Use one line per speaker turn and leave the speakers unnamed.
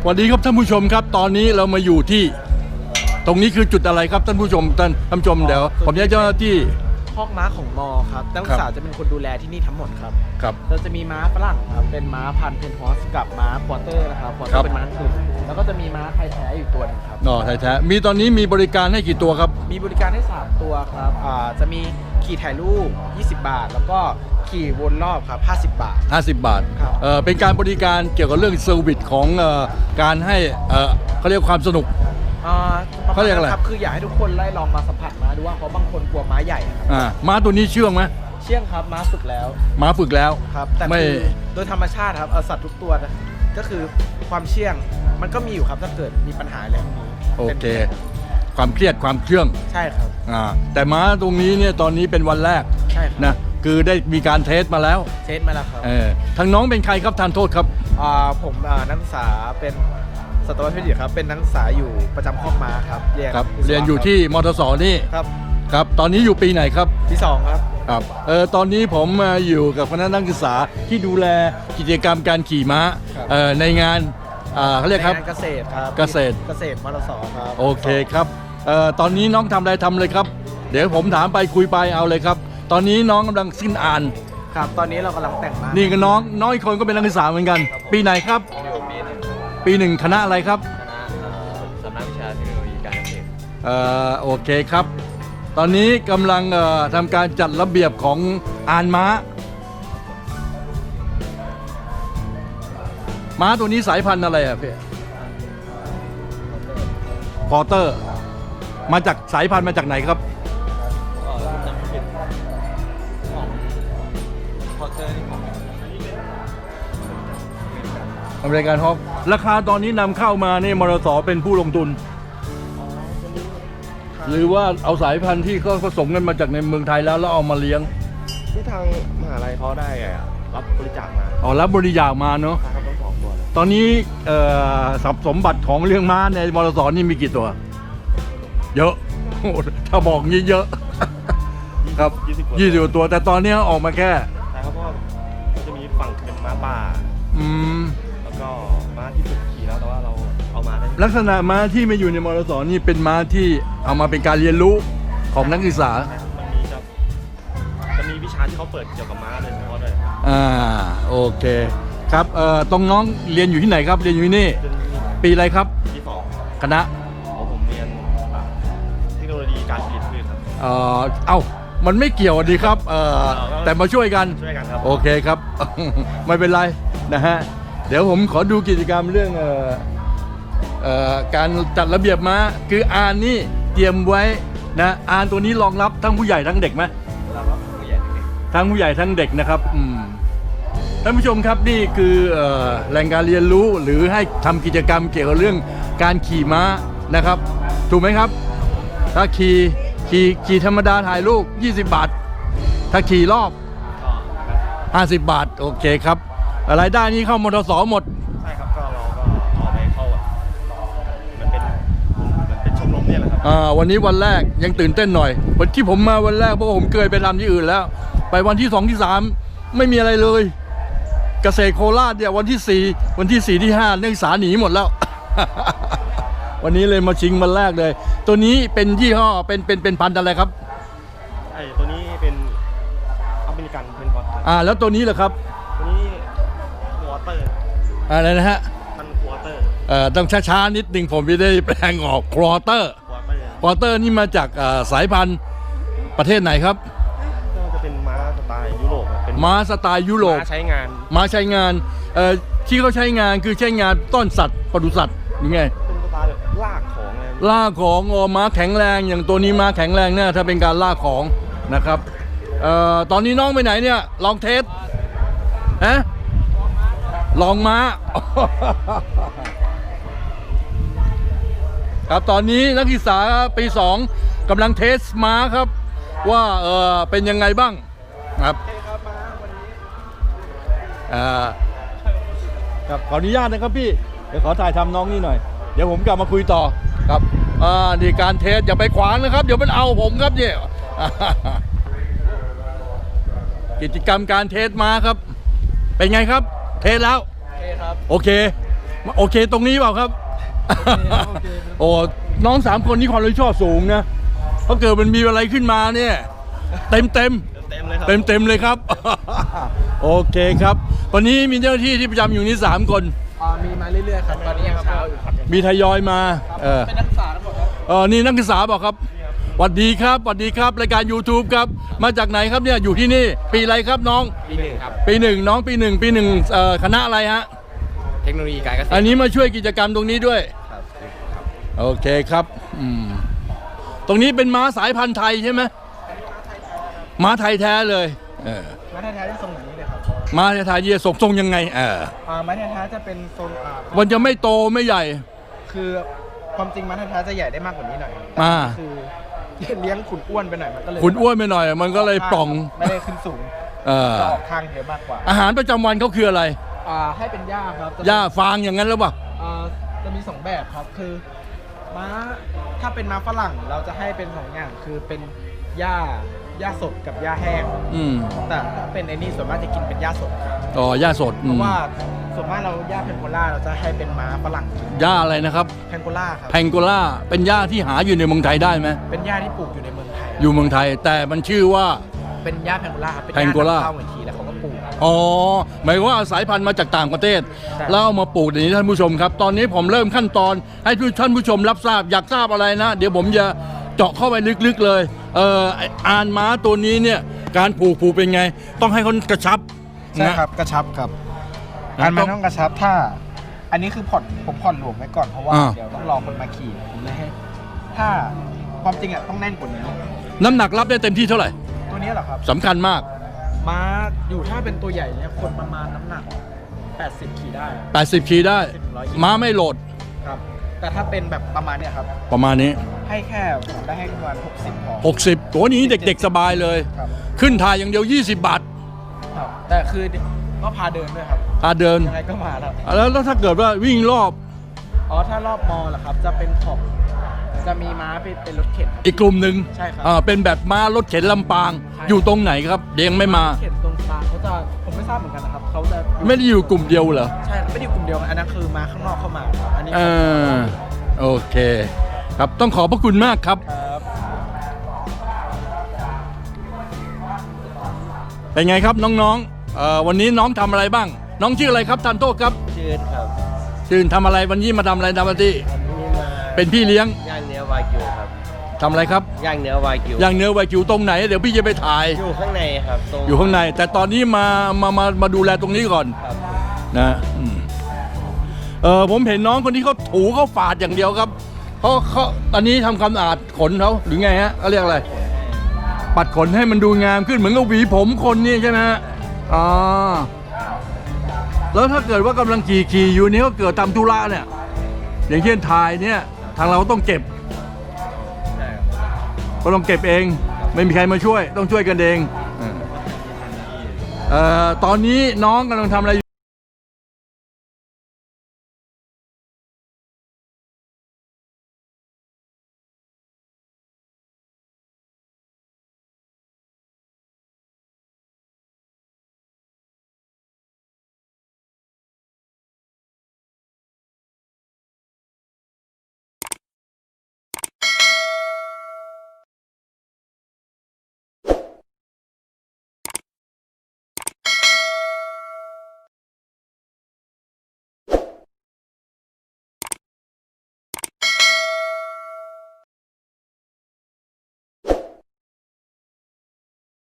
สวัสดีครับท่านผู้ชมครับตอนนี้เรามาอยู่ที่ตรงนี้คือจุดอะไรครับท่านผู้ชมท่านผู้ชมเดี๋ยวผมจะเจ้าหน้าที่
คอกม้าของมอครับนักศึกษาจะเป็นคนดูแลที่นี่ทั้งหมดครับ
ครับ
เราจะมีม้าฝรั่งครับเป็นม้าพันธุ์เพนฮอสกับม้าควอเตอร์นะครับควอเตอร์เป็นม้าขุนแล้วก็จะมีม้าไทยแท้อยู่ตัวนึงครับ
ไทยแท้มีตอนนี้มีบริการให้กี่ตัวครับ
มีบริการให้3ตัวครับจะมีขี่ถ่ายรูป20 บาทแล้วก็ขี่วนรอบครับ50 บาท
50 บาท
ครับ
เป็นการบริการเกี่ยวกับเรื่องเซอร์วิสของการให้เขาเรียกความสนุกเขาเรียกอะไร
ครับคืออยากให้ทุกคนได้ลองมาสัมผัสม้าดูว่าเพราะบางคนกลัวม้าใหญ่ครับ
ม้าตัวนี้เชื่องไหม
เชื่องครับม้าฝึกแล้วครับแต่คือโดยธรรมชาติครับสัตว์ทุกตัวก็คือความเชื่องมันก็มีอยู่ครับถ้าเกิดมีปัญหาอะไรพวกนี้
โอเคความเครียดความเชื่อง
ใช่ครับ
แต่ม้าตรงนี้เนี่ยตอนนี้เป็นวันแรก
ใช่
นะคือได้มีการเทสมาแล้ว
ครับ
ทางน้องเป็นใครครับทานโทษครับ
ผมนักศึกษาเป็นสัตวแพทย์ครับเป็นนักศึกษาอยู่ประจำคอกม้าครับเ
รียนอยู่ที่มทสนี่ครับตอนนี้อยู่ปีไหนครับ
ปี2ครับ
ตอนนี้ผมมาอยู่กับคณะนักศึกษาที่ดูแลกิจกรรมการขี่ม้าในงานเขาเรียกครับ
เกษตรครับ
เกษตร
มทสครับ
โอเคครับตอนนี้น้องทำอะไรทำเลยครับเดี๋ยวผมถามไปคุยไปเอาเลยครับตอนนี้น้องกำลังสิ้นอ่าน
ครับตอนนี้เรากำลังแต่งม้า
นี่ก็น้องอีกคนก็เป็นนักศึกษาเหมือนกันปีไหนครับปี 1คณะอะไรครับ
สำนักวิชาเทคโนโลยีการเกษตร
โอเคครับตอนนี้กำลังทำการจัดระเบียบของอ่านม้าตัวนี้สายพันธุ์อะไรพี่พอเตอร์มาจากสายพันธุ์มาจากไหนครับอเมริกันฮอปราคาตอนนี้นำเข้ามาเนี่ยมรสเป็นผู้ลงทุนหรือว่าเอาสายพันธุ์ที่เขาผสมกันมาจากในเมืองไทยแล้วเอามาเลี้ยง
ที่ทางมหาลัยเขาได้รับบริจาคมา
รับบริจาคมาเนาะตอนนี้ทรัพย์สมบัติของเลี้ยงม้าในมรสนี่มีกี่ตัวเยอะถ้าบอกงี้เยอะครับ20 ตัวแต่ตอนนี้ออกมาแค่
ใช่ครับเพราะจะมีฝั่งเป็นม้าป่าแล้วก็ม้าที่ฝึกขี่แล้วแต่ว่าเราเอามาได้
ลักษณะม้าที่มาอยู่ในมรสนี่เป็นม้าที่เอามาเป็นการเรียนรู้ของนักศึกษา
มันมีจะมีวิชาที่เขาเปิดเกี่ยวกับม้าเลยเฉพาะด้วย
โอเคครับตรงน้องเรียนอยู่ที่ไหนครับเรียนอยู่ที่นี่ปีอะไรครับ
ปี2
คณะ
ผมเรียนเทคโนโลยีการผลิตพืชครับ
มันไม่เกี่ยวดีครับแต่มาช่วยกัน
ครับ
โอเคครับไม่เป็นไรนะฮะเดี๋ยวผมขอดูกิจกรรมเรื่องการจัดระเบียบม้าคือนี่เตรียมไว้นะตัวนี้รองรับทั้งผู้ใหญ่ทั้งเด็กไหมทั้งผู้ใหญ่ทั้งเด็กนะครับท่านผู้ชมครับนี่คือแหล่งการเรียนรู้หรือให้ทำกิจกรรมเกี่ยวกับเรื่องการขี่ม้านะครับถูกไหมครับถ้าขี่ธรรมดาถ่ายรูป20 บาทถ้าขี่รอบ50 บาทโอเคครับรายได้นี้เข้ามทสหมด
ใช่ครับก็เราก็เอาไปเข้ามันเป็นชมรมเนี่ยแหละครับ
วันนี้วันแรกยังตื่นเต้นหน่อยวันที่ผมมาวันแรกเพราะผมเคยไปทำที่อื่นแล้วไปวันที่2ที่3ไม่มีอะไรเลยเกษตรโคราชเนี่ยวันที่4วันที่4ที่5นักศึกษาหนีหมดแล้ว วันนี้เลยมาชิงวันแรกเลยตัวนี้เป็นยี่ห้อเป็นพันธุ์อะไรครับ
ตัวนี้เป็นอเมริกันเพนพอ
ตแล้วตัวนี้เหรอครับ
ตัวนี้ควอเตอร์
อะไรนะฮะ
มันควอเตอร์
ต้องช้าๆนิดนึงผมไม่ได้แปลงออกควอเตอร์นี่มาจากสายพันธุ์ประเทศไหนครับ
จะเป็นม้าสไตล์ยุโรปเป็น
ม้าสไตล์ยุโรป
ม้าใช้งาน
ที่เขาใช้งานคือใช้งานต้อนสัตว์ปศุสัตว์ยังไง
เป็นสไตล์แบบลาก
ของม้าแข็งแรงอย่างตัวนี้ม้าแข็งแรงเนี่ยถ้าเป็นการลากของนะครับตอนนี้น้องไปไหนเนี่ยลองเทสลองม้าครับตอนนี้นักศึกษาปี 2กำลังเทสม้าครับว่าเป็นยังไงบ้างครับครับขออนุญาตนะครับพี่เดี๋ยวขอถ่ายทำน้องนี่หน่อยเดี๋ยวผมกลับมาคุยต่อครับนี่การเทสอย่าไปขวางนะครับเดี๋ยวมันเอาผมครับเนี่ยกิจกรรมการเทสม้าครับเป็นไงครับเทสแล้ว
ครับ
โอเคโอเคตรงนี้เปล่าครับ
โอเค
โอ้น้อง3 คนนี้ความรับผิดชอบสูงนะเพราะเกิดมันมีอะไรขึ้นมาเนี่ยเต็ม
เลยครับ
เต็มเลยครับ โอเคครับวันนี้มีเจ้าหน้าที่ที่ประจำอยู่นี่3 คน
มีมาเรื่อยๆครับตอนนี้ยังเช้าอยู่ครับ
มีทยอยมา
เป็นนักศึกษาทั้งหมดครับ
นี่นักศึกษาบอกครับสวัสดีครับสวัสดีครับรายการ YouTube ครับมาจากไหนครับเนี่ยอยู่ที่นี่ปีอะไรครับน้อง
ปี 1ครับ
ปี 1น้องปี 1คณะอะไรฮะ
เทคโนโลยีการเกษตร
อันนี้มาช่วยกิจกรรมตรงนี้ด้วย
ครับ
โอเคครับตรงนี้เป็นม้าสายพันธุ์ไทยใช่ไหมม้าไทยแท้เลย
ม้าแท้ๆจะทรงอย่างนี้เลยครับ
ม้าไทยจะทรงยังไง
ม้าแท้ๆจะเป็นทรง
มันจะไม่โตไม่ใหญ่
คือความจริงม้าแท้ๆจะใหญ่ได้มากกว่านี้หน่อยคือเลี้ยงขุนอ้วนไปหน่อยมันก็เลย
ขุนอ้วนไปหน่อย มันก็เลยป่อง
ไม่ได้ขึ้นสูงจะออกข้างเยอะมากกว่า
อาหารประจำวันเขาคืออะไร
ให้เป็นหญ้าครับ
หญ้าฟางอย่างนั้นหรือเปล่า
จะมี2แบบครับคือม้าถ้าเป็นม้าฝรั่งเราจะให้เป็น2อย่างคือเป็นหญ้าสดกับหญ้าแห้งแต่ถ้าเป็นไอ้นี่ส่วนมากจะกินเป็นหญ้าสดครับ
อ๋อหญ้าสด
เพราะว่าส่วนมากเราหญ้าแพงโกล่าเราจะให้เป็นม้าฝรั่งกิน
หญ้าอะไรนะครับ
แพงโกล่าครับ
แพงโกล่าเป็นหญ้าที่หาอยู่ในเมืองไทยได้ไหม
เป็นหญ้าที่ปลูกอยู่ในเมืองไทย
อยู่เมืองไทยแต่มันชื่อว่า
เป็นหญ้าแพงโกล่าครับเป็นห
แพงโกล่า
ญ้าเข้าเหมือนทีแล้วเขาก็ปลูก
อ๋อหมายว่าสายพันธุ์มาจากต่างประเทศ
ใช่
แล้วเอามาปลูกอย่างนี้ท่านผู้ชมครับ ตอนนี้ผมเริ่มขั้นตอนให้ท่านผู้ชมรับทราบอยากทราบอะไรนะ เดี๋ยวผมจะเจาะเข้าไปลึกๆเลยอานม้าตัวนี้เนี่ยการผูกเป็นไง ต้องให้คนกระชับ
ใช่
นะครับ
กระชับครับ
นะ
การมันต้องกระชับถ้า อันนี้คือผมผ่อนหลวมไว้ก่อนเพราะว่าเดี๋ยวต้องรอคนมาขี่ผมเลยให้ถ้าความจริงอ่ะต้องแน่นกว่านี้
น้ำหนักรับได้เต็มที่เท่าไหร่
ตัวนี้เหรอครับ
สำคัญมาก
ม้าอยู่ถ้าเป็นตัวใหญ่เนี่ยคนประมาณน้ำหนัก 80 ขี่ได้
80 ขีดได้
100
ม้าไม่โหลด
ครับ แต่ถ้าเป็นแบบประมาณเนี่ยครับ
ประมาณนี้
ให้แค่ผมได้ให้ประมาณ60พอ
60ตัวนี้เด็กๆสบายเลย
ครับ
ขึ้นถ่ายอย่างเดียว20 บาท
ครับแต่คือก็พาเดินด้วยครับ
พาเดิน
ยังไงก็มาแล้ว
แล้วถ้าเกิดว่าวิ่งรอบ
ถ้ารอบมอเหรอครับจะเป็นขอบจะมีม้าเป็นรถเข็นครับ
อีกกลุ่มหนึ่ง
ใช่ครับ
เป็นแบบม้ารถเข็นลำปาง
ใช่
อยู่ตรงไหนครับเดียงไม่มา
เข็นตรงกลางเขาจะผมไม่ทราบเหมือนกันนะครับเขาจะอยู่
ไม่ได้อยู่กลุ่มเดียวเหรอ
ใช่ไม่ได้อยู่กลุ่มเดียวกันอันนั้นคือม้าข้างนอกเข้ามาครับอันนี้
โอเค ครับต้องขอบพระคุณมากครับ
ครับ
เป็นไงครับน้องๆวันนี้น้องทำอะไรบ้าง น้องชื่ออะไรครับทันโทษครับ
ชื่นครับ
ชื่นทำอะไรวันนี้มาทำอะไรทำหน้าที่
อันนี้มา
เป็นพี่เลี้ยง
ย่างเนื้อวากิวครับ
ทำอะไรครับ
ย่างเนื้อวากิว
ย่างเนื้อไวกิวตรงไหนเดี๋ยวพี่จะไปถ่าย
อยู่ข้างในครับตรง
อยู่ข้างใน แต่ตอนนี้มาดูแลตรงนี้ก่อน
ครับ
นะผมเห็นน้องคนที่เขาถูเขาฝาดอย่างเดียวครับเขาตอนนี้ทำความสะอาดขนเขาหรือไงฮะเขาเรียกอะไร ปัดขนให้มันดูงามขึ้นเหมือนกับหวีผมคนนี่ใช่ไหมฮะอ๋อแล้วถ้าเกิดว่ากำลังขี่อยู่นี่ก็เกิดทำธุระเนี่ย อย่างเช่นถ่ายเนี่ยทางเราต้องเก็บ
ใช่
ก็ต้องเก็บเอง ไม่มีใครมาช่วยต้องช่วยกันเองตอนนี้น้องกำลังทำอะไร